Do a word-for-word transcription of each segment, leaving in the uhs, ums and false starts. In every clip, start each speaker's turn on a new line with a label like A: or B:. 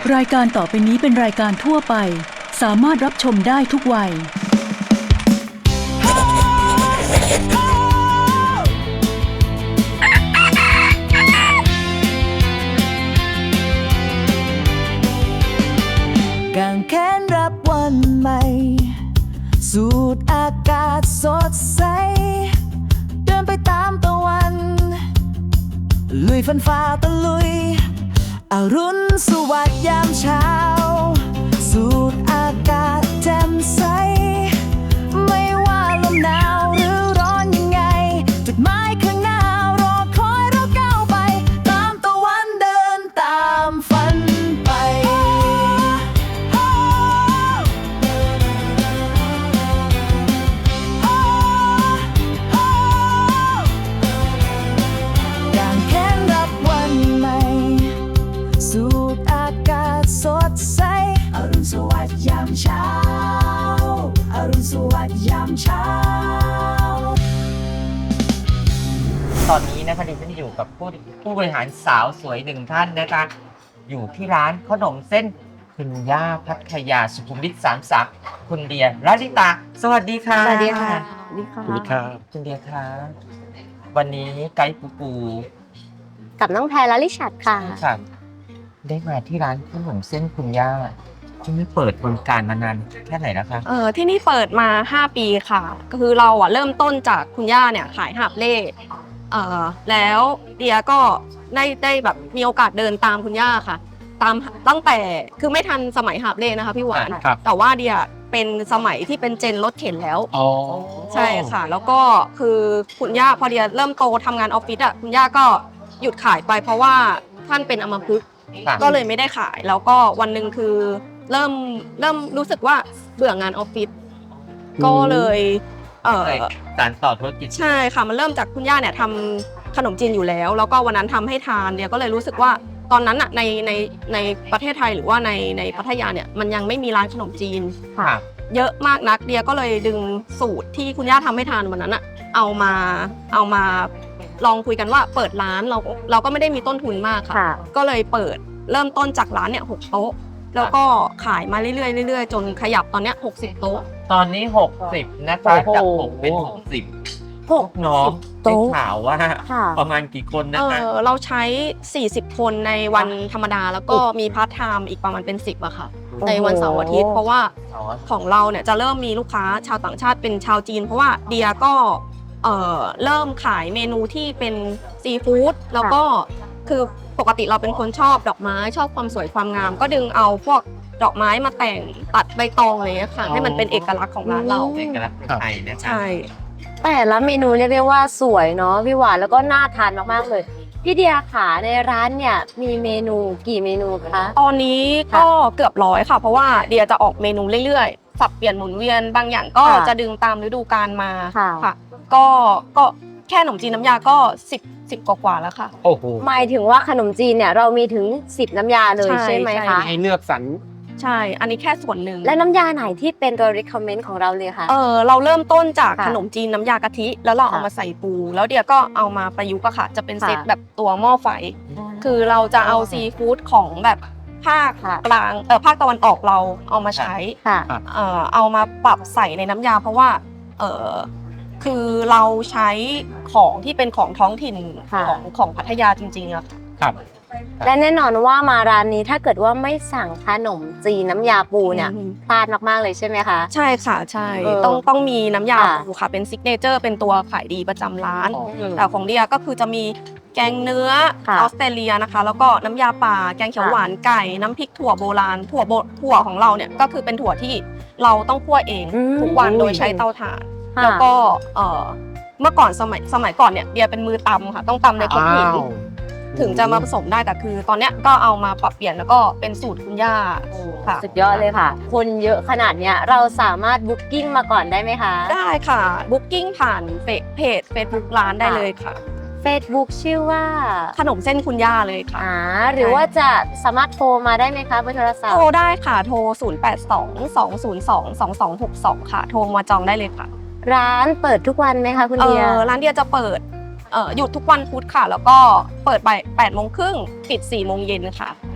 A: รายการต่อไปนี้เป็นรายการทั่วไปสามารถรับชมได้ทุกวัย
B: กางแขนรับวันใหม่สูดอากาศสดใสเดินไปตามตะวันลุยฟันฝ่าตะลุยอรุณสวัสดิ์ยามเช้าสูดอากาศแจ่มใสไม่ว่าลมหนาวหรือร้อนยังไงจุดหมายข้างหน้ารอคอยเราก้าวไปตามตะวันเดินตามฝันไปกางแขนรับวันใหม่สูดอากาศสดใสอรุณสวัสดิ์ยามเช้าอรุณสวัสดิ์ยามเช้า
C: ตอนนี้นะคะดิฉันอยู่กับผู้ผู้บริหารสาวสวยหนึ่งท่านนะคะอยู่ที่ร้านขนมเส้นคุณย่าพัทยาสุขุมวิทสามสิบสามคุณเดียรัลิตาสวัสดีค่ะ
D: สวัสดีค่ะสวัสดีค่ะ
E: สวัสดีครับ
C: คุณเดียคะวันนี้ไกด์ปูปู
D: กับน้องแพรและลิชัดค่ะ
C: ค่ะได้มาที่ร้านขนมเส้นคุณย่าที่นี่เปิดบริการมานานแค่ไหนแล้วคะ
F: เออที่นี่เปิดมาห้าปีค่ะก็คือเราอ่ะเริ่มต้นจากคุณย่าเนี่ยขายหาบเล่เออแล้วเดียก็ได้ได้แบบมีโอกาสเดินตามคุณย่าค่ะ ตามตั้งแต่คือไม่ทันสมัยหาบเล่นะคะพี่หวาน
E: ครับ
F: แต่ว่าเดียเป็นสมัยที่เป็นเจนรถเข็นแล้ว
E: อ๋อ
F: ใช่ค่ะ แล้วก็คือคุณย่าพอเดียเริ่มโตทำงานออฟฟิศอ่ะคุณย่าก็หยุดขายไปเพราะว่าท่านเป็นอัมพฤกษ์
C: ค่ะ
F: ก็เลยไม่ได้ขายแล้วก็วันหนึ่งคือเริ่มเริ่มรู้สึกว่าเบื่องานออฟฟิศก็เลยเออ
C: สารต่อธุรกิจ
F: ใช่ค่ะมันเริ่มจากคุณย่าเนี่ยทำขนมจีนอยู่แล้ว แล้วก็วันนั้นทำให้ทานเนี่ยก็เลยรู้สึกว่าตอนนั้นอะในในในประเทศไทยหรือว่าในในพัทยาเนี่ยมันยังไม่มีร้านขนมจีน
C: ค่ะ
F: เยอะมากนักเดียก็เลยดึงสูตรที่คุณย่าทำให้ทานวันนั้นอะเอามาเอามาลองคุยกันว่าเปิดร้านเราเราก็ไม่ได้มีต้นทุนมากค่ะ
D: ค่ะ
F: ก็เลยเปิดเริ่มต้นจากร้านเนี่ยหกโต๊ะแล้วก็ขายมาเรื่อยๆเรื่อยๆจนขยับตอนเนี้ยหกสิบโต๊ะ
C: ตอนนี้หกสิบนะคะจากหกเป็นหกสิบพวกน้องได้ข่าวว่า
D: ค่ะ
C: ประมาณกี่คน
F: เอ
C: นะคะ
F: อเราใช้สี่สิบคนในวันธรรมดาแล้วก็มีพาร์ทไทม์อีกประมาณเป็นสิบอะค่ะในวันเสาร์อาทิตย์เพราะว่าของเราเนี่ยจะเริ่มมีลูกค้าชาวต่างชาติเป็นชาวจีน เพราะว่าเดียก็เอ่อเริ่มขายเมนูที่เป็นซีฟู้ดแล้วก็คือปกติเราเป็นคนชอบดอกไม้ชอบความสวยความงาม ก็ดึงเอาพวกดอกไม้มาแต่งตัดใบตองอะไรอย่างเงี้ยค่ะให้มันเป็นเอกลักษณ์ของร้านเรา
C: เอกลักษณ์ไทยนะคะ
F: ใช่
D: แต่ละเมนูเรียกได้ว่าสวยเนาะพี่หวานแล้วก็น่าทานมากๆเลยพี่เดียขาในร้านเนี่ยมีเมนูกี่เมนูคะ
F: ตอนนี้ก็เกือบร้อยค่ะ เพราะว่าเดียจะออกเมนูเรื่อยๆสับเปลี่ยนหมุนเวียนบางอย่างก็
D: ค่ะ
F: จะดึงตามฤดูกาลมา
D: ค่ะ
F: ค่ะก็ก็แค่ขนมจีนน้ำยาก็สิบสิบกว่าๆแล้วค่ะ
E: โอ้โห
D: หมายถึงว่าขนมจีนเนี่ยเรามีถึงสิบน้ำยาเลย
F: ใช่
D: ใช่ไหม
F: ใช่
D: คะ
E: ให้เลือกสรร
F: ใช่อันนี้แค่ส่วนหนึ่ง
D: และน้ำยาไหนที่เป็นตัว recommend ของเราเลยคะ
F: เออเราเริ่มต้นจาก
D: ค่ะ
F: ขนมจีนน้ำยากะทิ แล้วเราเอา
D: ค่ะ
F: มาใส่ปู แล้วเดียก็เอามาประยุกต์อะค่ะ จะเป็น
D: ค่ะ
F: เซตแบบตัวหม้อไฟ คือเราจะเอาซีฟู้ดของแบบภาค
D: ค่ะ
F: กลางเออภาคตะวันออกเราเอามาใช้
D: ค่ะ
F: เอ่อเอามาปรับใส่ในน้ำยาเพราะว่าเออคือเราใช้ของที่เป็นของท้องถิ่น
D: ค่ะ
F: ของของพัทยาจริงๆอะค่ะ
E: ครับ
D: และแน่นอนว่ามาร้านนี้ถ้าเกิดว่าไม่สั่งขนมจีนน้ำยาปูเนี่ย
F: อืม
D: พลาดมากๆเลยใช่ไหมคะ
F: ใช่ค่ะใช่
D: เออ
F: ต้องต้องมีน้ำยา
D: ค่ะ
F: ปูค่ะเป็นซิกเนเจอร์เป็นตัวขายดีประจำร้าน
E: อ๋อ
F: แต่ของเดียก็คือจะมีแกงเนื้อ
D: ค่ะ
F: ออสเตรเลียนะคะ แล้วก็น้ำยาป่าแกงเขียว
D: ค่ะ
F: หวานไก่น้ำพริกถั่วโบราณถั่วโบถั่วของเราเนี่ยก็คือเป็นถั่วที่เราต้องคั่วเอง
D: อืม
F: ทุกวันโดยใช้เตาถ่าน
D: ค่ะ
F: แล้วก็เอ่อเมื่อก่อนสมัยสมัยก่อนเนี่ยเดียเป็นมือตำค่ะต้องตำในครกหิน
E: อ้าว
F: ถึงจะมาผสมได้แต่คือ ตอนเนี้ยก็เอามาปรับเปลี่ยนแล้วก็เป็นสูตรคุณย่าค่ะ
D: สุดยอดเลยค่ะ คนเยอะขนาดเนี้ยเราสามารถบุ๊กกิ้งมาก่อนได้ไหมคะ
F: ได้ค่ะบุ๊กิ้งผ่านเฟซเพจเฟซบุ๊กร้านได้เลยค่ะ
D: Facebook ชื่อว่า
F: ขนมเส้นคุณย่าเลยค่ะ
D: อ่าหรือว่าจะสามารถโทรมาได้ไหมคะเบอร์โทรศัพ
F: โท
D: ท์
F: รได้ค่ะ โทร ศูนย์ แปด สอง สอง ศูนย์ สอง สอง สอง หก สอง ค่ะ โทรมาจองได้เลยค่ะ
D: ร้านเปิดทุกวันไหมคะคุณ
F: เอ
D: เดีย
F: อร้านเดียจะเปิดเอ่อหยุดทุกวันพุธค่ะ แล้วก็เปิดบ่ายแปดโมงครึ่งปิดสี่โมงเย็นค่ะ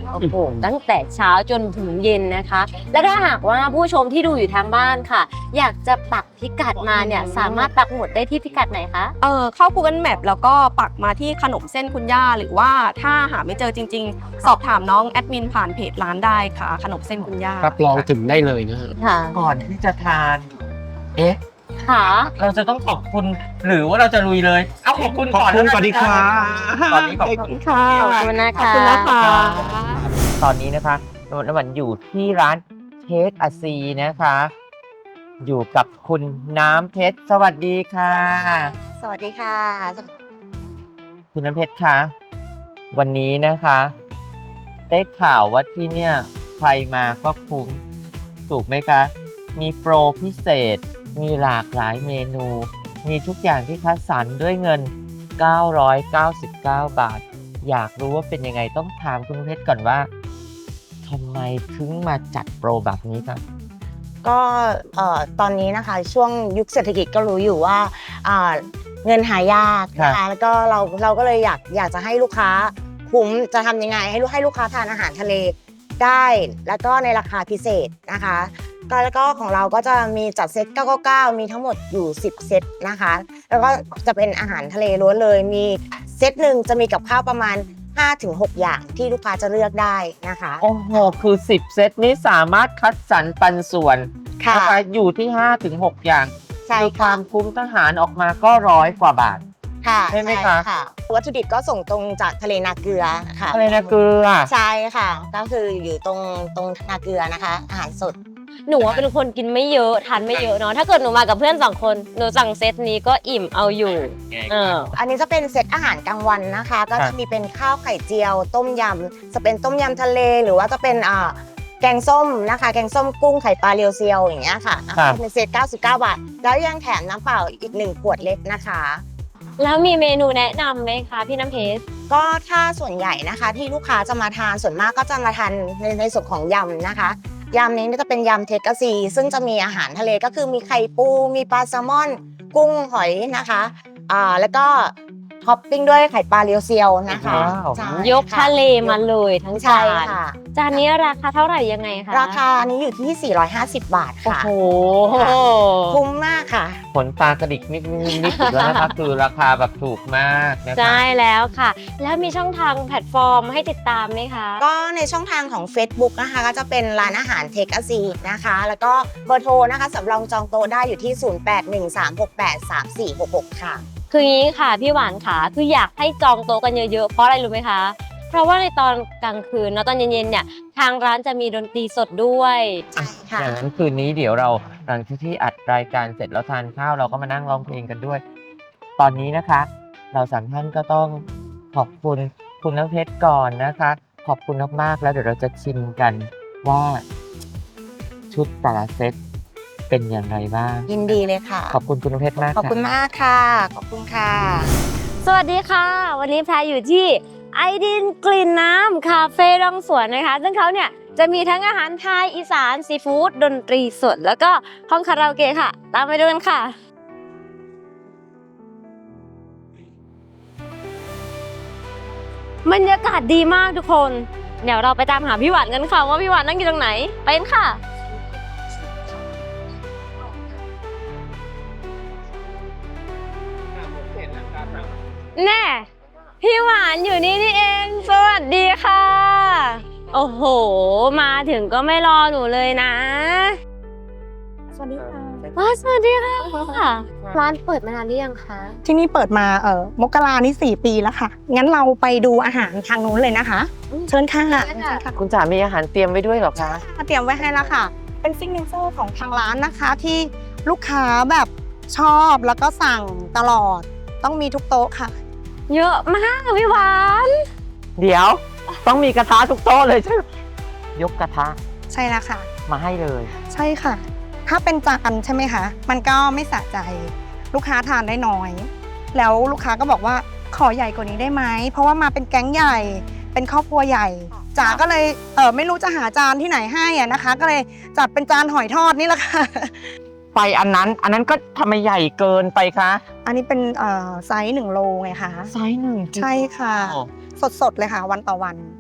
D: โอ้โหตั้งแต่เช้าจนถึงเย็นนะคะ และถ้าหากว่าผู้ชมที่ดูอยู่ทางบ้านค่ะ อยากจะปักพิกัดมาเนี่ยสามารถปักหมุดได้ที่พิกัดไหนคะ
F: เออเข้า Google Map แล้วก็ปักมาที่ขนมเส้นคุณย่าหรือว่าถ้าหาไม่เจอจริง ๆ สอบถามน้องแอดมินผ่านเพจร้านได้ค่ะ ขนมเส้นคุณย่า
E: รับรองถึงได้เลยนะฮะ
D: ค่ะ
C: ก่อนที่จะทาน เอ๊ะ
D: ค่ะ
C: เราจะต้องขอบคุณหรือว่าเราจะลุยเลย เอาขอบคุณก่อน
E: ขอบคุณก่อนดีกว่า
C: ตอนนี้ขอบคุณ
F: ค่ะ
D: ขอบคุณนะคะ
F: ขอบคุณนะคะ
C: ตอนนี้นะคะนวลวันอยู่ที่ร้านเทสอาซีนะคะ อยู่กับคุณน้ำเพชรสวัสดีค่ะ
D: สวัสดีค่ะ
C: คุณน้ำเพชรคะวันนี้นะคะได้ข่าวว่าที่เนี่ยใครมาก็คุ้มถูกไหมคะ มีโปรพิเศษ มีหลากหลายเมนู มีทุกอย่างที่คัดสรรด้วยเงิน เก้าร้อยเก้าสิบเก้า บาท อยากรู้ว่าเป็นยังไงต้องถามคุณเพชรก่อนว่าทำไมถึงมาจัดโปรแบบนี้คะ
G: ก็เอ่อตอนนี้นะคะช่วงยุคเศรษฐกิจก็รู้อยู่ว่าอ่าเงินหายากนะคะแล้วก็เราเราก็เลยอยากอยากจะให้ลูกค้าคุ้มจะทำยังไงให้ลูกให้ลูกค้าทานอาหารทะเลได้ แล้วก็ในราคาพิเศษนะคะก็แล้วก็ของเราก็จะมีจัดเซตเก้าเก้าเก้ามีทั้งหมดอยู่สิบเซตนะคะแล้วก็จะเป็นอาหารทะเลล้วนเลยมีเซตหนึ่งจะมีกับข้าวประมาณ ห้าถึงหก อย่างที่ลูกค้าจะเลือกได้นะคะ
C: โอ้โห คือสิบเซตนี้สามารถคัดสรรปันส่วน
G: ค่ะ
C: นะคะอยู่ที่ ห้าถึงหก อย่าง
G: ใช่
C: คือค
G: ค่ะ
C: วามคุ้มทหารออกมาก็ร้อยกว่าบาท
G: ค่ะ
C: ใช่ไหมคะ
G: วัตถุดิบก็ส่งตรงจากทะเลนาเกลือค่ะ
C: อะไรนะเกลือ
G: ใช่ค่ะ ก็คืออยู่ตรงตรงนาเกลือนะคะ อาหารสด
D: หนูว่าเป็นคนกินไม่เยอะทานไม่เยอะเนาะถ้าเกิดหนูมากับเพื่อนสองคนหนูสั่งเซตนี้ก็อิ่มเอาอยู่เออ
G: อันนี้จะเป็นเซตอาหารกลางวันนะคะ ก็จะมีเป็นข้าวไข่เจียว ต้มยำจะเป็นต้มยำทะเลหรือว่าจะเป็นอ่าแกงส้มนะคะ แกงส้มกุ้งไข่ปลาเรียวเซียวอย่างเงี้ยค่ะ
C: ครับ
G: เป็นเซตเก้าสิบเก้า บาท แล้วยังแถมน้ำเปล่าอีกหนึ่งขวดเล็กนะคะ
D: แล้วมีเมนูแนะนำไหมคะพี่น้ำเพชร
G: ก็ถ้าส่วนใหญ่นะคะที่ลูกค้าจะมาทานส่วนมากก็จะมาทานในในส่วนของยำนะคะยำนี้จะเป็นยำเทกาซีซึ่งจะมีอาหารทะเลก็คือมีไข่ปูมีปลาแซลมอน กุ้งหอยนะคะอ่าแล้วก็ท็อปปิ้งด้วยไข่ปลาเรียวเซียวนะคะ
C: ว้าว
G: ใช่
D: ยก
G: ค่
D: ทะเลมาเลยทั้ง
G: ใช่
D: จาน
G: ค่ะ
D: จานนี้ราคาเท่าไหร่ยังไงคะ
G: ราคานี้อยู่ที่สี่ร้อยห้าสิบบาท
D: โอ้
G: ค่ะ
D: โห
G: คุ้มมากค่ะ
C: ผลตากระดิกนิดนิดนิดอีกแล้วนะคะ คือราคาแบบถูกมากนะคะ
D: ใช่แล้วค่ะ แล้วมีช่องทางแพลตฟอร์มให้ติดตามไหมคะ
G: ก็ในช่องทางของ Facebook นะคะก็จะเป็นร้านอาหารเทคอาซีนะคะ แล้วก็เบอร์โทรนะคะสำรองจองโต๊ะได้อยู่ที่ ศูนย์ แปด หนึ่ง สาม หก แปด สาม สี่ หก หก ค่ะ
D: คืออย่างนี้ค่ะพี่หวานค่ะคืออยากให้จองโต๊ะกันเยอะๆเพราะอะไรรู้ไหมคะ เพราะว่าในตอนกลางคืนเนาะตอนเย็นๆเนี่ยทางร้านจะมีดนตรีสดด้วย
G: ใช่ค่ะ
C: อย่างนั้นคืนนี้เดี๋ยวเราหลังจากที่อัดรายการเสร็จแล้วทานข้าวเราก็มานั่งร้องเพลงกันด้วย ตอนนี้นะคะ เราสามท่านก็ต้องขอบคุณคุณน้ำเพชรก่อนนะคะ ขอบคุณมากๆแล้วเดี๋ยวเราจะชิมกันว่าชุดแต่ละเซตเป็นอย่างไรบ้าง
G: ยินดีเลยค่ะ
C: ขอบคุณคุณน้ำเพชรมาก
G: ขอบ
C: ค่ะ
G: คุณมากค่ะ ขอบคุณค่ะ
D: สวัสดีค่ะ วันนี้แพรอยู่ที่ไอดินกลิ่นน้ำคาเฟ่ร่องสวนนะคะ ซึ่งเขาเนี่ยจะมีทั้งอาหารไทยอีสานซีฟู้ดดนตรีสดแล้วก็ห้องคาราโอเกะค่ะ ตามไปดูกันค่ะ บรรยากาศดีมากทุกคน เดี๋ยวเราไปตามหาพี่หวานกันค่ะว่าพี่หวานนั่งอยู่ตรงไหนไปกันค่ะ แน่พี่หวานอยู่นี่นี่เองสวัสดีค่ะ โอ้โห มาถึงก็ไม่รอหนูเลยนะ
H: สวัสดีค่ะ
D: ว้าสวัสดีค่ะร้านเปิดมานานหรือยังคะ
H: ที่นี่เปิดมาเอ่อมกรานี่สี่ปีแล้วค่ะ งั้นเราไปดูอาหารทางนู้นเลยนะคะ เชิญค่ะ
D: เชิญค่ะ
H: เชิญค่ะ
C: คุณจ๋ามีอาหารเตรียมไว้ด้วยเหรอคะ
H: มาเตรียมไว้ให้แล้วค่ะ เป็นซิกเนเจอร์ของทางร้านนะคะที่ลูกค้าแบบชอบแล้วก็สั่งตลอดต้องมีทุกโต๊ะค่ะ
D: เยอะมากพี่หวาน
C: เดี๋ยวต้องมีกระทะทุกโต๊ะเลยใช่ไหมยกกระทะ
H: ใช่แล้วค่ะ
C: มาให้เลย
H: ใช่ค่ะ ถ้าเป็นจานใช่ไหมคะ มันก็ไม่สะใจ ลูกค้าทานได้น้อย แล้วลูกค้าก็บอกว่าขอใหญ่กว่านี้ได้ไหม เพราะว่ามาเป็นแก๊งใหญ่ เป็นครอบครัวใหญ่ จ๋าก็เลยเออไม่รู้จะหาจานที่ไหนให้อะนะคะ ก็เลยจัดเป็นจานหอยทอดนี่แหละค่ะ
C: ไปอันนั้น อันนั้นก็ทำไมใหญ่เกินไปคะ
H: อันนี้เป็นเอ่อไซส์หนึ่งโลไงคะ
C: ไซส์หนึ่ง
H: ใช่ค่ะ
C: โอ้
H: สดๆเลยค่ะ วันต่อวัน
C: โอ้โห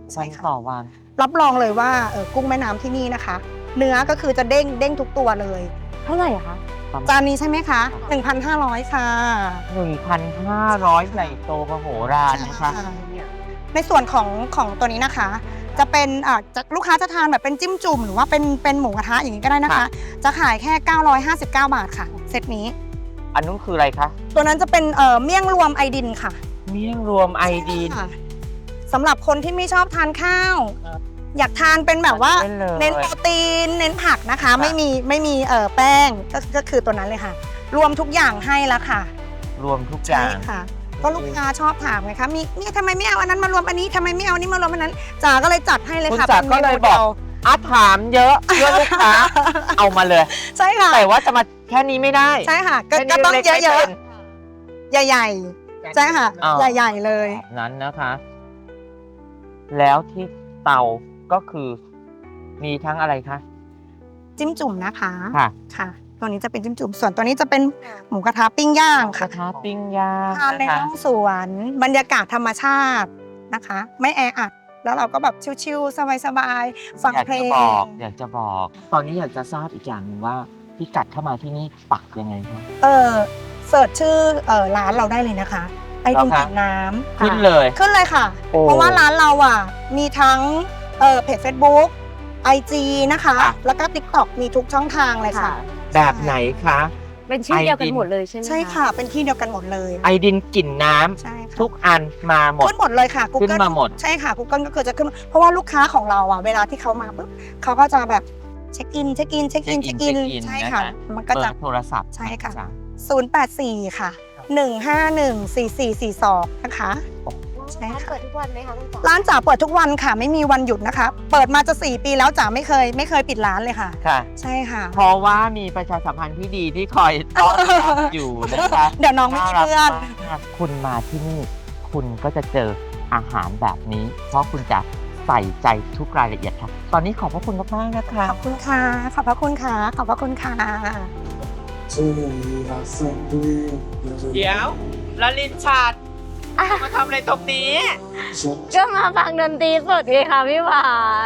G: ใช่
C: วัน
G: ค่ะ
C: ต่อวัน
H: รับรองเลยว่าเอ่อกุ้งแม่น้ำที่นี่นะคะ เนื้อก็คือจะเด้งเด้งทุกตัวเลย
D: เท่าไหร่คะ
H: จานนี้ใช่ไหมคะหนึ่งพันห้าร้อยค่ะ
C: หนึ่งพันห้าร้อยใหญ่โตมโหฬารนะคะ
H: ในส่วนของของตัวนี้นะคะ จะเป็นอ่าจะลูกค้าจะทานแบบเป็นจิ้มจุ่มหรือว่าเป็นเป็นหมูกระทะอย่างนี้ก็ได้นะคะ
C: ค่ะ
H: จะขายแค่ เก้าร้อยห้าสิบเก้า บาทค่ะ เซตนี้
C: อันนู้นคืออะไรคะ
H: ตัวนั้นจะเป็นเอ่อเมี่ยงรวมไอดินค่ะ
C: เมี่ยงรวมไอดีน
H: ค่ะสำหรับคนที่ไม่ชอบทานข้าว
C: ครับ
H: อยากทานเป็นแบบว่า
C: เน้นเลย
H: เน้นโปรตีน เน้นผักนะคะ
C: ค่ะ
H: ไม่มีไม่มีเอ่อแป้งก็ก็คือตัวนั้นเลยค่ะ รวมทุกอย่างให้แล้วค่ะ
C: รวมทุกอ
H: ใช่
C: ย่าง
H: ค่ะ ก็ลูกค้าชอบถามไงคะมีเนี่ยทำไมไม่เอาอันนั้นมารวมอันนี้ทำไมไม่เอาอันนี้มารวมอันนั้นจ๋าก็เลยจัดให้เลย
C: คุณ
H: ค่ะ
C: จ๋า
H: ป็น
C: ก็เลย
H: มนู
C: บอก
H: ดีว
C: อาถามเยอะเพื่อลูกค้า เอามาเลย
H: ใช่ค่ะ
C: แต่ว่าจะมาแค่นี้ไม่ได้
H: ใช่ค่ะก็
C: แค่นี้
H: ก็ต้อง
C: ล็กๆ
H: เย
C: ไม่
H: อะ
C: เป็น
H: ๆใหญ่ๆใช่ค่ะ
C: อ่า
H: ใหญ่ๆเลย
C: นั้นนะคะ แล้วที่เตาก็คือมีทั้งอะไรคะ
H: จิ้มจุ่มนะคะ
C: ค่ะ
H: ค่ะ ตัวนี้จะเป็นจิ้มจุ่มส่วนตัวนี้จะเป็นหมูกระทะปิ้งย่าง
C: ก
H: ค่ะ
C: ระทะปิ้งย่าง
H: ทานใน
C: นะคะ
H: ห้องสวนบรรยากาศธรรมชาตินะคะ ไม่แออัดแล้วเราก็แบบชิลๆสบายๆฟัง
C: อยาก
H: เพล
C: จะ
H: ง
C: บอกอยากจะบอก ตอนนี้อยากจะทราบอีกอย่างหนึ่งว่าพิกัดเข้ามาที่นี่ปักยังไงคะ
H: เออเสิร์ชชื่อเออร้านเราได้เลยนะคะ ไอดิน
C: เหรอคะ
H: กินน้ำ
C: ขึ้น
H: ค่ะ
C: เลย
H: ขึ้นเลยค่ะ
C: โอ้
H: เพราะว่าร้านเราอ่ะ มีทั้งเออเพจ Facebook ไอ จี นะคะ
C: ค่ะ
H: แล้วก็ TikTok มีทุกช่องทางเลยค่ะ
C: แบบไหนคะ
D: เป็นชื่อเดียวกัน
C: ไอดิน
D: หมดเลยใช่ไหม
H: ใช่ค่ะ เป็นที่เดียวกันหมดเลย
C: ไอดินกลิ่นน้ำ
H: ใช่ค่ะ
C: ทุกอันมาหมด
H: ขึ้นหมดเลยค่ะ
C: ขึ้นมาหมด
H: ใช่ค่ะ Google ก็คือจะขึ้นมาเพราะว่าลูกค้าของเราอ่ะ เวลาที่เขามาปุ๊บเขาก็จะแบบเช็คอิน เช็คอิน เช็คอิน เช็คอิน ใช่ค่ะ มันก็
C: เปิ
H: จะ
C: ดโทรศัพท์
H: ใช่ค่ะ
C: จ้
H: ศูนย์ แปด สี่ ค่ะ หนึ่ง ห้า หนึ่ง สี่ สี่ สี่ สอง นะคะ ใช่
D: ร้าน
H: ค่ะ
D: เปิดทุกวันไหมคะคุณจ๋า
H: ร้านจ๋าเปิดทุกวันค่ะ ไม่มีวันหยุดนะคะ เปิดมาจะสี่ปีแล้วจ๋าไม่เคย ไม่เคยปิดร้านเลยค่ะ
C: ค่ะ
H: ใช่ค่ะ
C: เพราะว่ามีประชาสัมพันธ์ที่ดีที่คอยต้อนรับอยู่นะคะ
H: เดี๋ยวน้องไม่มีเพื่อน
C: ารักมากคุณมาที่นี่ คุณก็จะเจออาหารแบบนี้ เพราะคุณจะใส่ใจทุกรายละเอียดค่ะ ตอนนี้ขอบพระคุณมากๆนะคะ
H: ขอบคุณค่ะ ขอบพระคุณค่ะ ขอบพระคุณค่ะ
C: เดี๋ยวลลินชาดมาทำอะไรตรงนี้
D: ก็มาฟังดนตรีสดไงค่ะพี่หวาน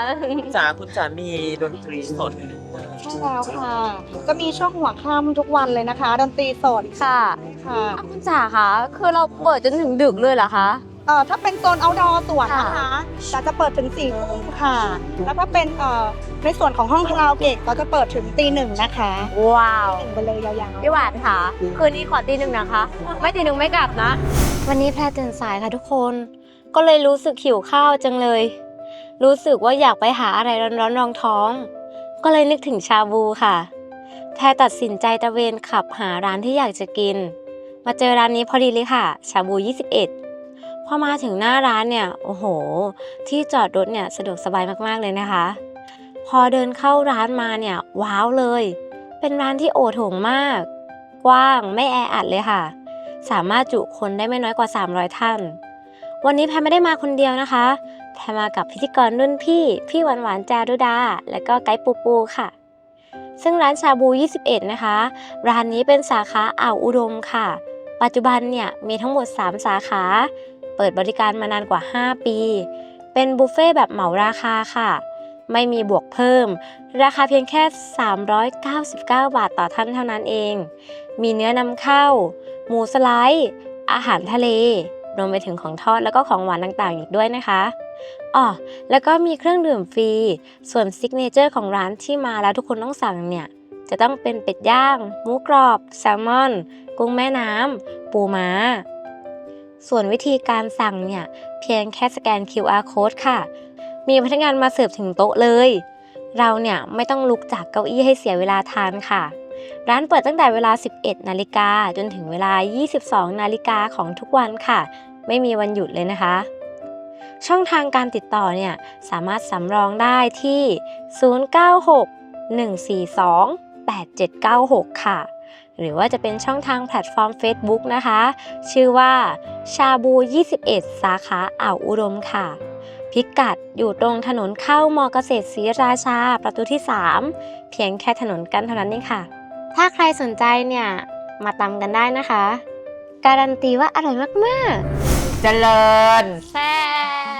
C: จ๋าคุณจ๋ามีดนตรีสด
H: ใช่แล้วค่ะ ก็มีช่วงหัวค่ำทุกวันเลยนะคะ ดนตรีสด
D: ค่ะ
H: ค่ะ
D: อ่ะคุณจ๋าคะคือเราเปิดจนถึงดึกเลยเหรอคะ
H: เอ่อถ้าเป็นโซน outdoor สวนนะ
D: ค่ะ
H: คะจะจะเปิดถึงสี่ทุ่มค่ะ แล้วถ้าเป็นเอ่อในส่วนของห้องคาราโอเกะก็จะเปิดถึงตีหนึ่งนะคะ
D: ว้าว
H: หนึ่งไปเลยยาวๆ
D: พี่หวานค่ะ คืนนี้ขอตีหนึ่งนะคะ ไม่ตีหนึ่งไม่กลับนะ วันนี้แพรตื่นสายค่ะทุกคน ก็เลยรู้สึกหิวข้าวจังเลย รู้สึกว่าอยากไปหาอะไรร้อนๆรองท้อง ก็เลยนึกถึงชาบูค่ะ แพรตัดสินใจตระเวนขับหาร้านที่อยากจะกิน มาเจอร้านนี้พอดีเลยค่ะ ชาบูยี่สิบเอ็ดพอมาถึงหน้าร้านเนี่ย โอ้โห ที่จอดรถเนี่ยสะดวกสบายมากๆเลยนะคะ พอเดินเข้าร้านมาเนี่ยว้าวเลย เป็นร้านที่โอโถงมาก กว้างไม่แออัดเลยค่ะ สามารถจุคนได้ไม่น้อยกว่าสามร้อยท่าน วันนี้แพรไม่ได้มาคนเดียวนะคะ แพรมากับพิธีกรรุ่นพี่ พี่หวานหวานจารุดา และก็ไกด์ปูปูค่ะ ซึ่งร้านชาบูยี่สิบเอ็ดนะคะ ร้านนี้เป็นสาขาอ่าวอุดมค่ะ ปัจจุบันเนี่ยมีทั้งหมดสามสาขา เปิดบริการมานานกว่าห้าปี เป็นบุฟเฟ่ต์แบบเหมาราคาค่ะ ไม่มีบวกเพิ่ม ราคาเพียงแค่สามร้อยเก้าสิบเก้าบาทต่อท่านเท่านั้นเอง มีเนื้อนำเข้า หมูสไลด์ อาหารทะเล รวมไปถึงของทอดแล้วก็ของหวานต่างๆอีกด้วยนะคะอ๋อแล้วก็มีเครื่องดื่มฟรี ส่วนซิกเนเจอร์ของร้านที่มาแล้วทุกคนต้องสั่งเนี่ยจะต้องเป็นเป็ดย่าง หมูกรอบ แซลมอน กุ้งแม่น้ำ ปูม้า ส่วนวิธีการสั่งเนี่ยเพียงแค่สแกน คิว อาร์ Code ค่ะ มีพนักงานมาเสิร์ฟถึงโต๊ะเลย เราเนี่ยไม่ต้องลุกจากเก้าอี้ให้เสียเวลาทานค่ะ ร้านเปิดตั้งแต่เวลา สิบเอ็ดนาฬิกาจนถึงเวลา ยี่สิบสองนาฬิกาของทุกวันค่ะ ไม่มีวันหยุดเลยนะคะ ช่องทางการติดต่อเนี่ยสามารถสำรองได้ที่ ศูนย์ เก้า หก หนึ่ง สี่ สอง แปด เจ็ด เก้า หก ค่ะ หรือว่าจะเป็นช่องทางแพลตฟอร์ม Facebook นะคะ ชื่อว่าชาบูยี่สิบเอ็ดสาขาอ่าวอุดมค่ะ พิกัดอยู่ตรงถนนเข้ามอเกษตรศรีราชาประตูที่สามเพียงแค่ถนนกันเท่านั้นเองค่ะ ถ้าใครสนใจเนี่ยมาตำกันได้นะคะ การันตีว่าอร่อยมาก
C: เจริญ
D: ๆแซ่บ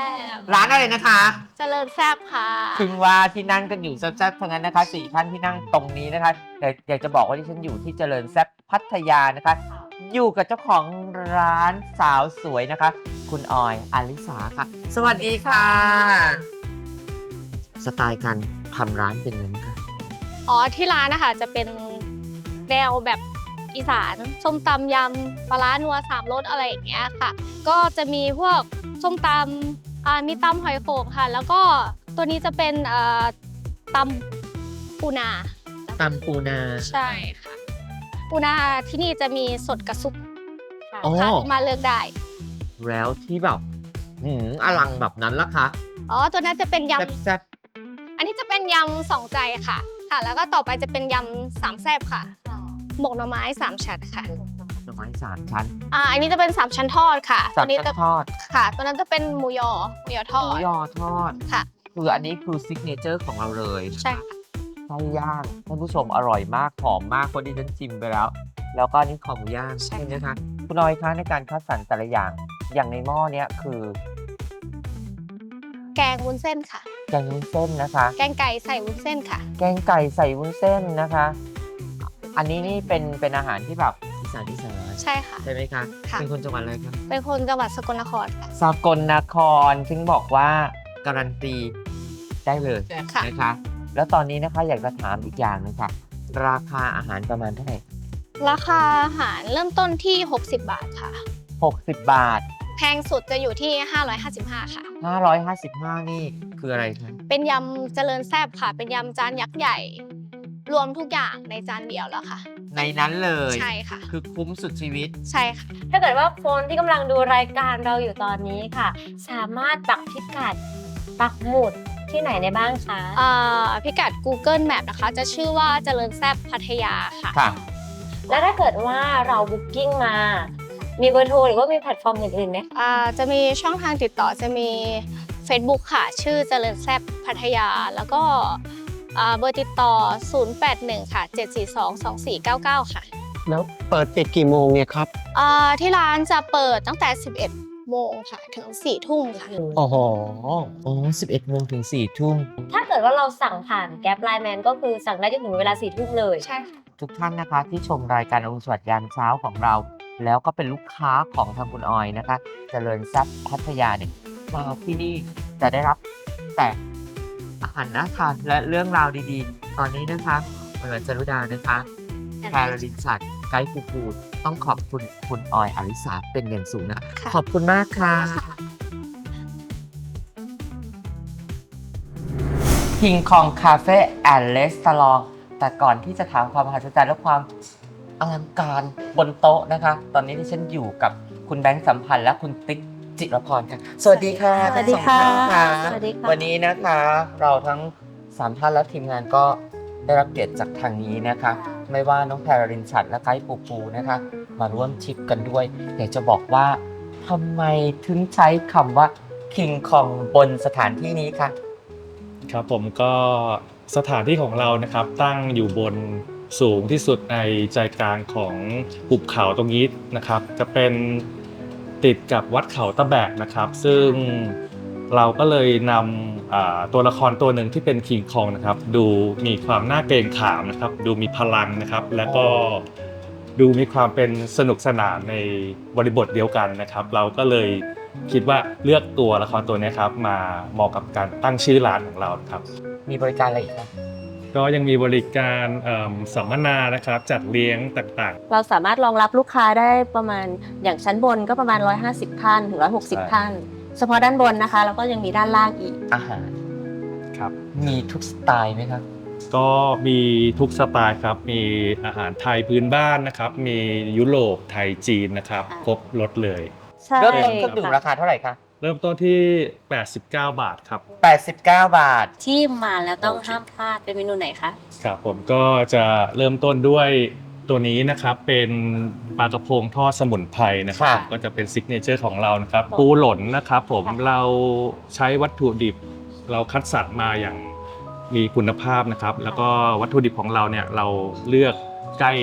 C: ร้านอะไรนะคะ
D: เจริญแซบค่ะ
C: ถึงว่าที่นั่งกันอยู่แซ่บๆทั้งนั้นนะคะสี่ท่านที่นั่งตรงนี้นะคะแต่อยากจะบอกว่าที่ฉันอยู่ที่เจริญแซ่บพัทยานะคะ อยู่กับเจ้าของร้านสาวสวยนะคะ คุณออยอลิสาค่ะ สวัสดีค่ะ สไตล์การทำร้านเป็นยังไงคะ
E: อ๋อที่ร้านนะคะจะเป็นแนวแบบอีสานส้มตำยำปลาร้านัวสามรสอะไรอย่างเงี้ยค่ะ ก็จะมีพวกส้มตำอ่ามีตำหอยโข่งค่ะ แล้วก็ตัวนี้จะเป็นอ่าตำปูนา
C: ตำปูนา
E: ใช่ค่ะปูนาที่นี่จะมีสดกับซุปค่ะ
C: อ๋อ
E: ค่ะมาเลือกได้
C: แล้วที่แบบหืมอลังแบบนั้นล่ะคะ
E: อ๋อตัวนั้นจะเป็นย
C: แซ่บ
E: ำอันนี้จะเป็นยำสองใจค่ะค่ะ แล้วก็ต่อไปจะเป็นยำสามแซ่บค่ะหมกหน่อไม้สามชั้นค่ะ
C: ๆหน่อไม้สามชั้น
E: อ่าอันนี้จะเป็นสามชั้นทอดค่ะ
C: สาม
E: ตัวนี้
C: ชั้
E: จะ
C: นทอด
E: ค่ะ ตัวนั้นจะเป็นหมูยอหมูยอทอ
C: หมู
E: ด
C: ยอทอด
E: ค่ะ
C: คืออันนี้คือซิกเนเจอร์ของเราเลย
E: ใช่ค่ะ
C: ไส้ย่างท่านผู้ชมอร่อยมากหอมมากคนที่ฉันชิมไปแล้ว แล้วก็อันนี่คอหมูย่าง
E: ใช่
C: ใช่ไหมคะคุณน้อยคะในการคัดสรรแต่ละอย่างอย่างในหม้อเนี้ยคือ
E: แกงวุ้นเส้นค่ะ
C: แกงวุ้นเส้นนะคะ
E: แกงไก่ใส่วุ้นเส้นค่ะ
C: แกงไก่ใส่วุ้นเส้นนะคะ อันนี้นี่เป็นเป็นอาหารที่แบบอีสานอีสาน
E: ใช่ค่ะ
C: ใช่ไหมคะ
E: ค่ะ
C: เป็นคนจังหวัดอะไรคะ
E: เป็นคนจังหวัดสกลนครค่ะ
C: สกลนครซึ่งบอกว่าการันตีได้เลย
E: ค่ะ
C: นะคะ แล้วตอนนี้นะคะอยากจะถามอีกอย่างหนึงค่ะ ราคาอาหารประมาณเท่าไหร่
E: ราคาอาหารเริ่มต้นที่หกสิบบาทค่ะ
C: หกสิบบาท
E: แพงสุดจะอยู่ที่ห้าร้อยห้าสิบห้าค่ะ
C: ห้าร้อยห้าสิบห้านี่คืออะไรคะ
E: เป็นยำเจริญแซบค่ะ เป็นยำจานยักษ์ใหญ่ รวมทุกอย่างในจานเดียวแล้วค่ะ
C: ในนั้นเลย
E: ใช่ค่ะ
C: คือคุ้มสุดชีวิต
E: ใช่ค่ะ
D: ถ้าเกิดว่าคนที่กำลังดูรายการเราอยู่ตอนนี้ค่ะ สามารถปักพิกัดปักหมุดที่ไหนได้บ้างคะ
E: อ่าพิกัด Google Map นะคะ จะชื่อว่าเจริญแซบพัทยาค่ะ
C: ค่ะ
D: แล้วถ้าเกิดว่าเราบุ๊กกิ้งมา มีเบอร์โทรหรือว่ามีแพลตฟอร์มอื่นๆไหม
E: อ่าจะมีช่องทางติดต่อจะมี Facebook ค่ะ ชื่อเจริญแซบพัทยา แล้วก็อ่าเบอร์ติดต่อ ศูนย์ แปด หนึ่ง ค่ะ เจ็ด สี่ สอง สอง สี่ เก้า เก้า ค่ะ
I: แล้วเปิดปิดกี่โมงเนี่ยครับ
E: อ่าที่ร้านจะเปิดตั้งแต่ สิบเอ็ด โมงค่ะ ถึง สี่ ทุ่มค่ะ
I: โอ้โห
C: อ๋อสิบเอ็ดโมงถึงสี่ทุ่ม
D: ถ้าเกิดว่าเราสั่งผ่านแก๊ปไลน์แมนก็คือสั่งได้จนถึงเวลาสี่ทุ่มเลย
E: ใช่ค่ะ
C: ทุกท่านนะคะที่ชมรายการอรุณสวัสดิ์ยามเช้าของเรา แล้วก็เป็นลูกค้าของทางคุณออยนะคะ เจริญทรัพย์พัทยาเนี่ยมาที่นี่จะได้รับแต่อาหารน่าทานและเรื่องราวดีๆ ตอนนี้นะคะเหมือนจรุดานะคะแพรลินสัตว์ไกด์ฟูฟูดต้องขอบคุณคุณออยอลิสาเป็นอย่างสูงนะ
E: ค่ะ
C: ขอบคุณมากค่ะคิงคองคาเฟ่แอนด์เลสตลองแต่ก่อนที่จะถามความมหัศจรรย์และความอลังการบนโต๊ะนะคะ ตอนนี้ที่ฉันอยู่กับคุณแบงค์สัมพันธ์และคุณติ๊กจิรพรค่ะ สวัสดีค่ะ
D: สวัสดีค่ะ
C: ทั้งสองท่าน
D: สวัสดีค่ะ
C: วันนี้นะคะ เราทั้งสามท่านและทีมงานก็ได้รับเกียรติจากทางนี้นะคะ ไม่ว่าน้องแพรรินชัดและไกด์ปูปูนะคะ มาร่วมทริปกันด้วย อยากจะบอกว่าทำไมถึงใช้คำว่าคิงคองบนสถานที่นี้คะ
J: ครับผมก็สถานที่ของเรานะครับตั้งอยู่บนสูงที่สุดในใจกลางของหุบเขาตรงนี้นะครับจะเป็นติดกับวัดเขาตะแบกนะครับ ซึ่งเราก็เลยนำอ่าตัวละครตัวหนึ่งที่เป็นคิงคองนะครับดูมีความน่าเกรงขามนะครับดูมีพลังนะครับ แล้วก็ดูมีความเป็นสนุกสนานในบริบทเดียวกันนะครับ เราก็เลยคิดว่าเลือกตัวละครตัวนี้ครับมาเหมาะกับการตั้งชื่อร้านของเราครับ
C: มีบริการอะไรอีกคะ
J: ก็ยังมีบริการเอิ่มสัมมนานะครับจัดเลี้ยงต่างๆ
D: เราสามารถรองรับลูกค้าได้ประมาณอย่างชั้นบนก็ประมาณหนึ่งร้อยห้าสิบท่านถึงหนึ่งร้อยหกสิบ
J: ใช่
D: ท่าน เฉพาะด้านบนนะคะแล้วก็ยังมีด้านล่างอีก
C: อาหาร
J: ครับ
C: มีทุกสไตล์ไหมครับ
J: ก็มีทุกสไตล์ครับมีอาหารไทยพื้นบ้านนะครับมียุโรปไทยจีนนะครับ
D: ค่ะ
J: ครบรสเลย
D: ใช่
C: เริ่มต้นเครื่องดื่มราคาเท่าไหร่คะ
J: เริ่มต้นที่แปดสิบเก้าบาทครับ
C: แปดสิบเก้าบาท
D: ที่มาแล้วต้องห้ามพลาดเป็นเมนูไหนคะ
J: ครับผมก็จะเริ่มต้นด้วยตัวนี้นะครับเป็นปลากระพงทอดสมุนไพรนะครับ
C: ค่ะ
J: ก็จะเป็นซิกเนเจอร์ของเรานะครับปูหล่นนะครับผมเราใช้วัตถุดิบ เราคัดสรรมาอย่างมีคุณภาพนะครับ แล้วก็วัตถุดิบของเราเนี่ยเราเลือกใกล้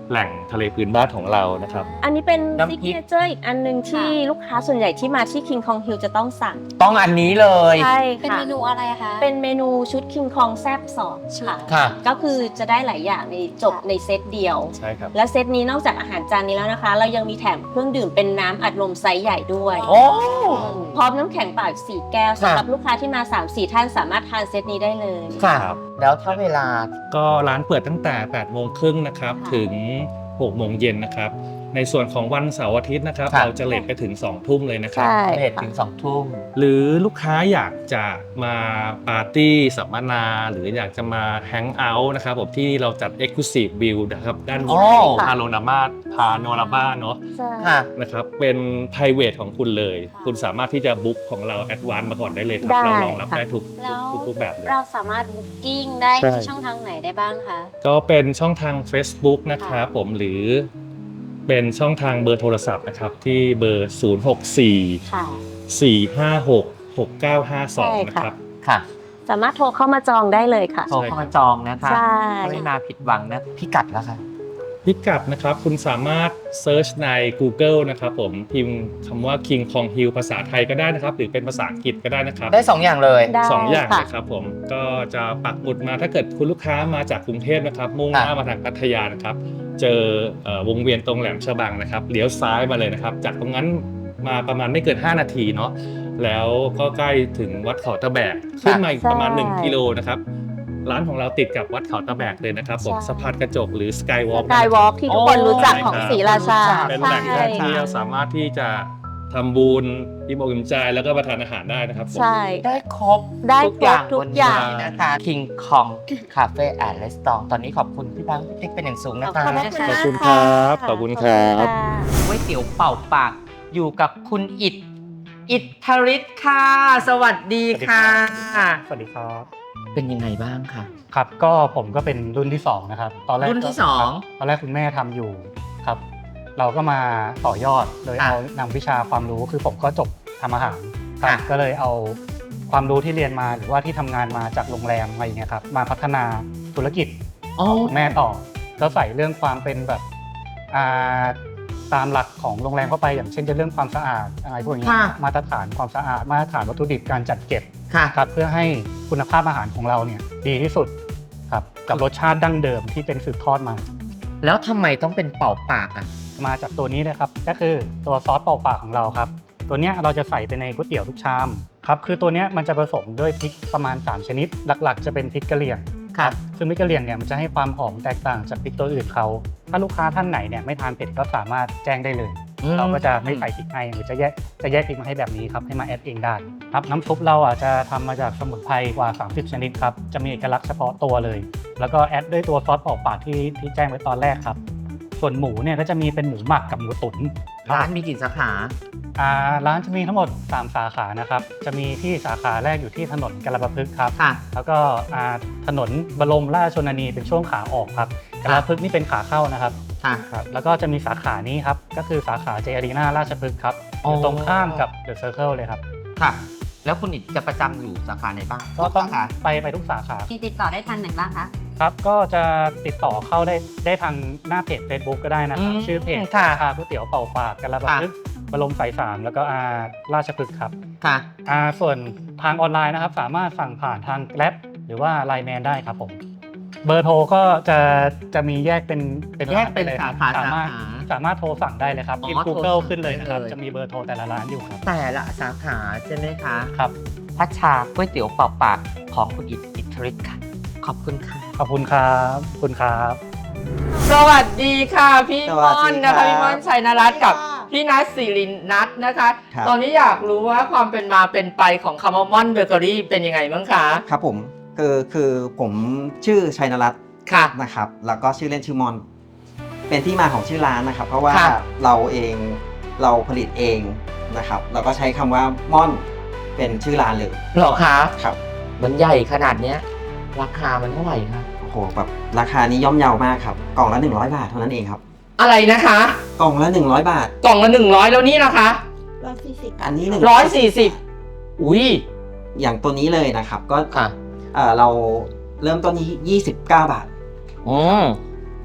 J: แหล่งทะเลพื้นบ้านของเรานะครับ
D: อันนี้เป็น
C: น้ำพริ
D: ซิ
C: ก
D: กเนเจอร์อีกอันหนึ่งที่ลูกค้าส่วนใหญ่ที่มาที่ King Kong Hill จะต้องสั่ง
C: ต้องอันนี้เลย
D: ใช่
E: เป็น
D: ค่ะ
E: เมนูอะไรคะ
D: เป็นเมนูชุด King Kong แซ่บสองค่ะ
C: ค่ะ
D: ก็คือจะได้หลายอย่างในจบในเซตเดียว
J: ใช่ครับ
D: และเซตนี้นอกจากอาหารจานนี้แล้วนะคะ เรายังมีแถมเครื่องดื่มเป็นน้ำอัดลมไซส์ใหญ่ด้วย
C: โอ้
D: พร้อมน้ำแข็งเปล่าอีกสี่แก้ว
C: ค่ะ
D: สำหรับลูกค้าที่มา สามสี่ ท่านสามารถทานเซตนี้ได้เลย
C: ค่ะ
J: ครับ
C: แล้วถ้าเวลา
J: ก็ร้านเปิดตั้งแต่แปดโมงครึ่งนะครับ
D: ค่ะ
J: ถึงหกโมงเย็นนะครับ ในส่วนของวันเสาร์อาทิตย์นะครับ
C: ค่ะ
J: เราจะเลทไปถึงสองทุ่มเลยนะครับ
D: ใช่
C: เลทถึงสองทุ่ม
J: หรือลูกค้าอยากจะมาปาร์ตี้สัมมนา หรืออยากจะมาแฮงเอาท์นะครับผมที่เราจัด Exclusive View นะครับด้านบ
C: โอ้
J: นพาโนรามาพาโนรามาเนาะ
D: ใช่
C: ค่ะ
J: นะครับเป็น private ของคุณเลย คุณสามารถที่จะบุ๊กของเราแอดวานซ์มาก่อนได้เลยครับ
D: ได้
J: เรารองรับ
D: ค่ะ
J: ได้ทุก
E: แล้ว
J: ทุกทุกแบบเลย
E: เราสามารถบุ๊กิ้งได้
J: ใช่
E: ที่ช่องทางไหนได้บ้างคะ
J: ก็เป็นช่องทาง Facebook นะครับผมหรือเป็นช่องทางเบอร์โทรศัพท์นะครับที่เบอร์ ศูนย์ หก สี่
D: ค่ะ
J: สี่ ห้า หก หก เก้า ห้า สอง
D: ใช่
J: นะ
D: ค่ะ
J: ครับ
C: ค่ะ
D: สามารถโทรเข้ามาจองได้เลยค่ะ
C: โทรเข้ามาจองนะคะ
D: ใช่
C: ไม่มาผิดหวังนะพิกัดแล้วค่ะ
J: พิกัดนะครับคุณสามารถเซิร์ชใน Google นะครับผมพิมพ์คำว่า King Kong Hill ภาษาไทยก็ได้นะครับ หรือเป็นภาษาอังกฤษก็ได้นะครับ
C: ได้สองอย่างเลย
D: ได้
J: สองอย่าง
D: ค่ะ
J: เลยครับผมก็จะปักหมุดมาถ้าเกิดคุณลูกค้ามาจากกรุงเทพนะครับมุ่งหน้า
C: ค่ะ
J: มาทางพัทยานะครับเจอเอ่อวงเวียนตรงแหลมฉบังนะครับเลี้ยวซ้ายมาเลยนะครับจากตรงนั้นมาประมาณไม่เกินห้านาทีเนาะแล้วก็ใกล้ถึงวัดเขาตะแบกขึ้นมาอีกประมาณหนึ่งกิโลนะครับร้านของเราติดกับวัดเขาตะแบกเลยนะครับผม
D: ใช่
J: สะพานกระจกหรือสกายวอล์ก
D: สกายวอล์กที่ทุกคนรู้จักของศรีราชา
J: เป็นแหล่งท่องเที่ยวสามารถที่จะทำบุญอิ่มอกอิ่มใจแล้วก็มาทานอาหารได้นะครับผม
D: ใช่
C: ได้ครบ
D: ได้ครบ
C: ทุ
D: ทุ
C: ก
D: ก
C: อ
D: อย่
C: า
D: ย่าง ง
C: บนนี้นะคะ King Kong Cafe and Restaurant ตอนนี้ขอบคุณพี่บังพี่ติ๊กเป็นอย่างสูงนะคะ
D: ขอบคุณ
J: ขอบคุณครับขอบคุณครับ
C: ก๋วยเตี๋ยวเป่าปากอยู่กับคุณอิทอิทธริศค่ะ สวัสดีค่ะ
K: สวัสดีครับ
C: เป็นยังไงบ้างคะ
K: ครับก็ผมก็เป็นรุ่นที่สองนะครับตอนแรก
C: รุ่นที่
K: ก็
C: สอง
K: ครับตอนแรกคุณแม่ทำอยู่ครับ เราก็มาต่อยอดโดย
C: ค่ะ
K: เอานำวิชาความรู้คือผมก็จบทำอาหารครับ
C: ค่ะ
K: ก็เลยเอาความรู้ที่เรียนมาหรือว่าที่ทำงานมาจากโรงแรมอะไรอย่างเงี้ยครับมาพัฒนาธุรกิจ
C: อ๋อ
K: คุณแม่ต่อก็ใส่เรื่องความเป็นแบบอ่าตามหลักของโรงแรมเข้าไปอย่างเช่นจะเรื่องความสะอาดอะไรพวกนี้
C: ค่ะ
K: มาตรฐานความสะอาดมาตรฐานวัตถุดิบการจัดเก็บ
C: ค่ะ
K: ครับเพื่อให้คุณภาพอาหารของเราเนี่ยดีที่สุดครับกับรสชาติดั้งเดิมที่เป็นสืบทอดมา
C: แล้วทำไมต้องเป็นเป่าปากอ่ะ
K: มาจากตัวนี้เลยครับก็คือตัวซอสเป่าปากของเราครับ ตัวเนี้ยเราจะใส่ไปในก๋วยเตี๋ยวทุกชามครับคือตัวเนี้ยมันจะผสมด้วยพริกประมาณสามชนิด หลักๆ จะเป็นพริกกะเหรี่ยง
C: ครับ
K: ซึ่งพริกกะเหรี่ยงเนี่ยมันจะให้ความหอมแตกต่างจากพริกตัวอื่นเขาถ้าลูกค้าท่านไหนเนี่ยไม่ทานเผ็ดก็สามารถแจ้งได้เลย เราก็จะไม่ใส่พริกให้หรือจะแยกจะแยกพริกมาให้แบบนี้ครับให้มาแอดเองได้ครับน้ำซุปเราอ่ะจะทำมาจากสมุนไพรกว่า สามสิบ ชนิดครับจะมีเอกลักษณ์เฉพาะตัวเลย แล้วก็แอดด้วยตัวซอสเป่าปากที่ที่แจ้งไว้ตอนแรกครับส่วนหมูเนี่ยก็จะมีเป็นหมูหมักกับหมูตุ๋น
C: ร้านมีกี่สาขา
K: อ่าร้านจะมีทั้งหมดสามสาขานะครับจะมีที่สาขาแรกอยู่ที่ถนนกระบะพฤกษ์ครับ
C: ค่ะ
K: แล้วก็อ่าถนนบรมราชชนนีเป็นช่วงขาออกครับกระบะพฤกษ์นี่เป็นขาเข้านะครับ
C: ค่ะ
K: ครับแล้วก็จะมีสาขานี้ครับ ก็คือสาขาเจอารีนาราชพฤกษ์ครับ
C: อ๋อ
K: อ
C: อ
K: ยู่ตรงข้ามกับเดอะเซอร์เคิลเลยครับ
C: ค่ะ แล้วคุณอิทจะประจำอยู่สาขาไหนบ้าง
K: ก็ต้อง
C: สาขา
K: ไปไปทุกสาขา
E: มีติดต่อได้ทางไหนบ้างคะ
K: ครับ ก็จะติดต่อเข้าได้ได้ทางหน้าเพจ Facebook ก็ได้นะครับ
C: อืม
K: ชื่อเพจ
C: ค่ะ
K: ชาก๋วยเตี๋ยวเป่าปากกระบะพฤกษ์บรมสายสามแล้วก็อาราชพฤกษ์ครับ
C: ค่ะ
K: อ่าส่วนทางออนไลน์นะครับ สามารถสั่งผ่านทาง Grab หรือว่า ไลน์ แมนได้ครับผม เบอร์โทรก็จะจะมีแยกเป็นเป็น
C: แยกเป็น
K: ร้ลยครับ
C: สาขา
K: สามารถ
C: สาขา
K: สามารถโทรสั่งได้เลยครับ
C: อ๋อ
K: พิมพ์
C: โทร
K: Google
C: สั่ง
K: ขึ้นเลยนะครับ
C: ได้เลย
K: จะมีเบอร์โทรแต่ละร้านอยู่ครับ
C: แต่ละสาขาใช่ไหมคะ
K: ครับ
C: พัชชาก๋วยเตี๋ยวเป่าปากของคุณอิทอิทธริศค่ะ ขอบคุณค่ะ
K: ขอบคุณครับขอบคุณครับ
C: สวัสดีค่ะพี่
L: สวั
C: ม่
L: ส
C: อน
L: ดี
C: นะคะ
L: ครับ
C: พี่ม่อนชัยนรัตน์กับพี่นัทศิรินัทนะคะ
L: ครับ
C: ตอนนี้อยากรู้ว่าความเป็นมาเป็นไปของคำว่าม่อนเบเกอรี่เป็นยังไงบ้างคะ
L: ครับผมคือคือผมชื่อชัยนรัตน์
C: ค่ะ
L: นะครับ แล้วก็ชื่อเล่นชื่อมอน เป็นที่มาของชื่อร้านนะครับ เพราะว่า
C: ค่ะ
L: เราเองเราผลิตเองนะครับเราก็ใช้คำว่าม่อนเป็นชื่อร้านเลย
C: เหรอคะ
L: ครับ
C: มันใหญ่ขนาดเนี้ยราคามันเท่าไหร่คะ
L: โอ้โหแบบราคานี้ย่อมเยาวมากครับกล่องละหนึ่งร้อยบาทเท่านั้นเองครับ
C: อะไรนะคะ
L: กล่องละหนึ่งร้อยบาท
C: กล่องละหนึ่งร้อยแล้วนี่นะคะ
L: อันนี้หนึ่ง
C: ร้อยสี่สิบอุ้ย
L: อย่างตัวนี้เลยนะครับก็
C: ค่ะ
L: เอ่อเราเริ่มต้นที่ยี่สิบเก้าบาท
C: อืม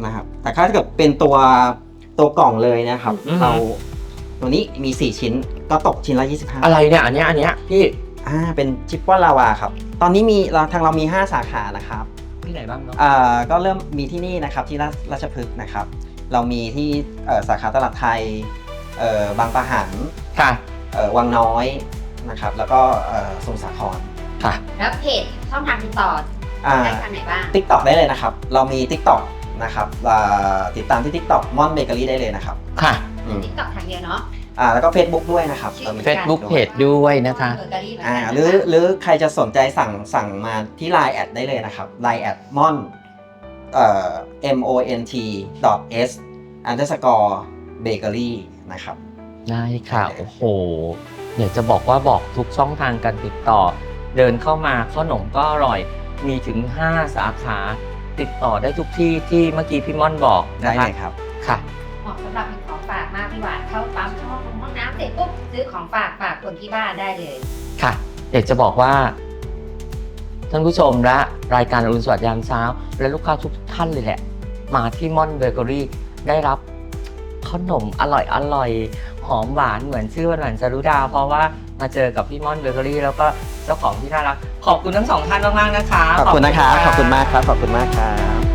L: นะครับแต่ถ้าเกิดเป็นตัวตัวกล่องเลยนะครับ
C: อือฮึ
L: เราตัวนี้มีสี่ชิ้นก็ตกชิ้นละยี่สิบห้า
C: อะไรเนี่ยอันเนี้ยอันเนี้ยพี่
L: อ่าเป็นชิปปอนลาวาครับตอนนี้มีเราทางเรามีห้าสาขานะครับ
C: ที่ไหนบ้างเนาะ
L: อ่าก็เริ่มมีที่นี่นะครับที่ราชราชพฤกษ์นะครับเรามีที่เอ่อสาขาตลาดไทยเอ่อบางปะหัน
C: ค่ะ
L: เอ่อวังน้อยนะครับแล้วก็เอ่อสมุทรสาคร
C: ค่ะ
D: แล้วเพจช่องทางติดต่อ
L: อ่า
D: ได้ทางไหนบ้าง
L: TikTok ได้เลยนะครับ เรามี TikTok นะครับอ่าติดตามที่ TikTok ม่อนเบเกอรี่ได้เลยนะครับ
C: ค่ะ
L: อืม
D: ติ๊กต็อกทางเดียวเนาะ
L: อ่าแล้วก็ Facebook ด้วยนะครับรามี
C: Facebook
L: Facebook
C: เพจด้วยนะคะ
D: เบเกอรี่เหมือน
L: อ่า
D: กัน
L: หรือหรือใครจะสนใจสั่งสั่งมาที่ ไลน์ แอดได้เลยนะครับ ไลน์ แอดม่อนเอ่อ m o n t dot s underscore bakery นะครับ
C: ได้ค่ะ โอ้โหเดี๋ยวจะบอกว่าบอกทุกช่องทางการติดต่อ เดินเข้ามาขนมก็อร่อย มีถึงห้าสาขา ติดต่อได้ทุกที่ที่เมื่อกี้พี่ม่อนบอก
L: ได้
C: นะคะ
L: เลยครับ
C: ค่ะ
D: เหมาะสำหรับเป็นของฝากมากพี่หวานเข้าปั๊มเข้าห้องน้ำเสร็จปุ๊บซื้อของฝากฝากคนที่บ้านได้เลย
C: ค่ะอยากจะบอกว่าท่านผู้ชมและรายการอรุณสวัสดิ์ยามเช้า และลูกค้าทุกท่านเลยแหละ มาที่ม่อนเบเกอรี่ได้รับขนมอร่อยอร่อยหอมหวานเหมือนชื่อวันหวานจารุดา เพราะว่ามาเจอกับพี่ม่อนเบเกอรี่แล้วก็เจ้าของที่น่ารัก ขอบคุณทั้งสองท่านมากๆนะคะ
L: ขอบคุณนะครับ ขอบคุณมากครับ ขอบคุณมากครับ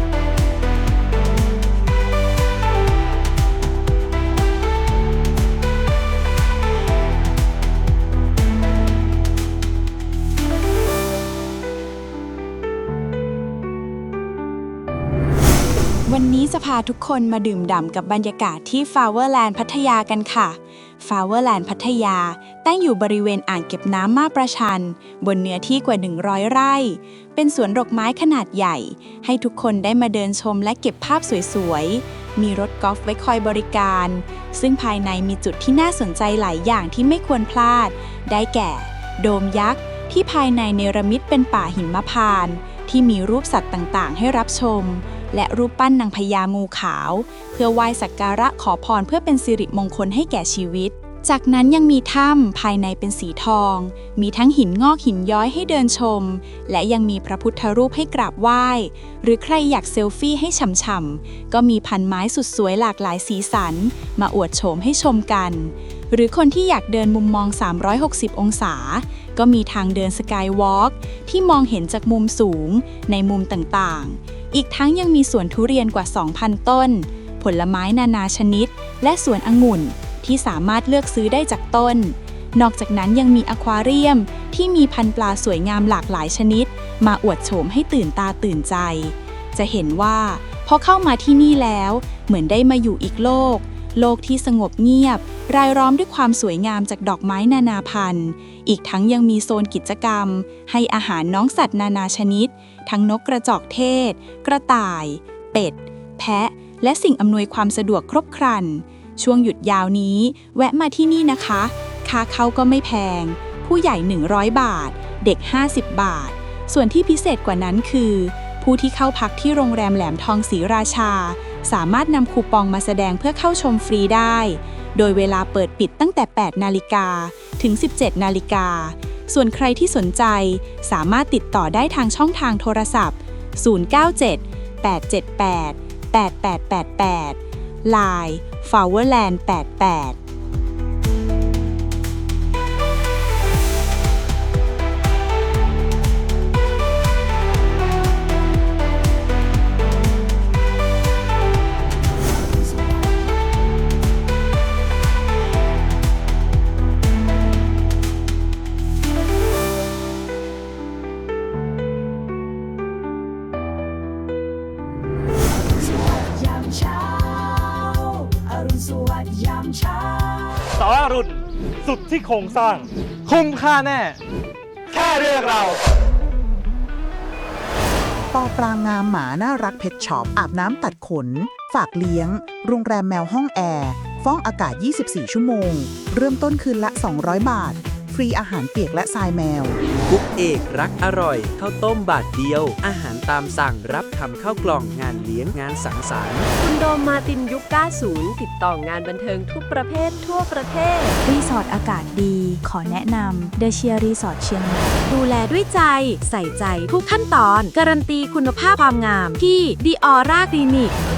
M: วันนี้จะพาทุกคนมาดื่มด่ำกับบรรยากาศที่ Flowerland พัทยากันค่ะ Flowerland พัทยาตั้งอยู่บริเวณอ่างเก็บน้ำมาประชัน บนเนื้อที่กว่า หนึ่งร้อย ไร่ เป็นสวนดอกไม้ขนาดใหญ่ ให้ทุกคนได้มาเดินชมและเก็บภาพสวยๆ มีรถกอล์ฟไว้คอยบริการ ซึ่งภายในมีจุดที่น่าสนใจหลายอย่างที่ไม่ควรพลาด ได้แก่ โดมยักษ์ที่ภายในเนรมิตเป็นป่าหิมพานต์ที่มีรูปสัตว์ต่างๆ ให้รับชม และรูปปั้นนางพญางูขาว เพื่อไหว้สักการะขอพรเพื่อเป็นสิริมงคลให้แก่ชีวิต จากนั้นยังมีถ้ำภายในเป็นสีทอง มีทั้งหินงอกหินย้อยให้เดินชม และยังมีพระพุทธรูปให้กราบไหว้ หรือใครอยากเซลฟี่ให้ฉ่ำๆก็มีพันไม้สุดสวยหลากหลายสีสัน มาอวดโฉมให้ชมกัน หรือคนที่อยากเดินมุมมอง สามร้อยหกสิบ องศา ก็มีทางเดินสกายวอล์กที่มองเห็นจากมุมสูงในมุมต่างๆ อีกทั้งยังมีสวนทุเรียนกว่า สองพัน ต้น ผลไม้นานาชนิด และสวนองุ่นที่สามารถเลือกซื้อได้จากต้น นอกจากนั้นยังมีอควาเรียมที่มีพันธุ์ปลาสวยงามหลากหลายชนิด มาอวดโฉมให้ตื่นตาตื่นใจ จะเห็นว่าพอเข้ามาที่นี่แล้วเหมือนได้มาอยู่อีกโลก โลกที่สงบเงียบ รายล้อมด้วยความสวยงามจากดอกไม้นานาพันธุ์ อีกทั้งยังมีโซนกิจกรรม ให้อาหารน้องสัตว์นานาชนิด ทั้งนกกระจอกเทศ กระต่าย เป็ด แพะ และสิ่งอำนวยความสะดวกครบครัน ช่วงหยุดยาวนี้ แวะมาที่นี่นะคะ ค่าเข้าก็ไม่แพง ผู้ใหญ่ หนึ่งร้อย บาท เด็ก ห้าสิบ บาท ส่วนที่พิเศษกว่านั้นคือ ผู้ที่เข้าพักที่โรงแรมแหลมทองศรีราชา สามารถนำคูปองมาแสดงเพื่อเข้าชมฟรีได้ โดยเวลาเปิดปิดตั้งแต่ แปด นาฬิกา ถึง สิบเจ็ด นาฬิกา ส่วนใครที่สนใจสามารถติดต่อได้ทางช่องทางโทรศัพท์ ศูนย์ เก้า เจ็ด แปด เจ็ด แปด แปด แปด แปด แปด ไลน์ Flowerland แปด แปด
N: สอรุ่นสุดที่โครงสร้าง คุ้มค่าแน่ แค่เรื่องเรา
O: ปอปรางงามหมาน่ารักเพชช็อปอาบน้ำตัดขน ฝากเลี้ยง โรงแรมแมวห้องแอร์ ฟ้องอากาศ ยี่สิบสี่ ชั่วโมง เริ่มต้นคืนละ สองร้อย บาท ฟรีอาหารเปียกและทรายแมว
P: กุ๊กเอกรักอร่อยข้าวต้มบาทเดียว อาหารตามสั่งรับทำข้าวกล่องงานเลี้ยงงานสังสรรค์
Q: คุณโดมมาตินยุค เก้าสิบ ติดต่องานบันเทิงทุกประเภททั่วประเทศ
M: รีสอร์ทอากาศดี ขอแนะนำเดเชียรีสอร์ทเชียงใหม่ดูแลด้วยใจ ใส่ใจทุกขั้นตอน การันตีคุณภาพความงามที่ดีออร่าคลินิก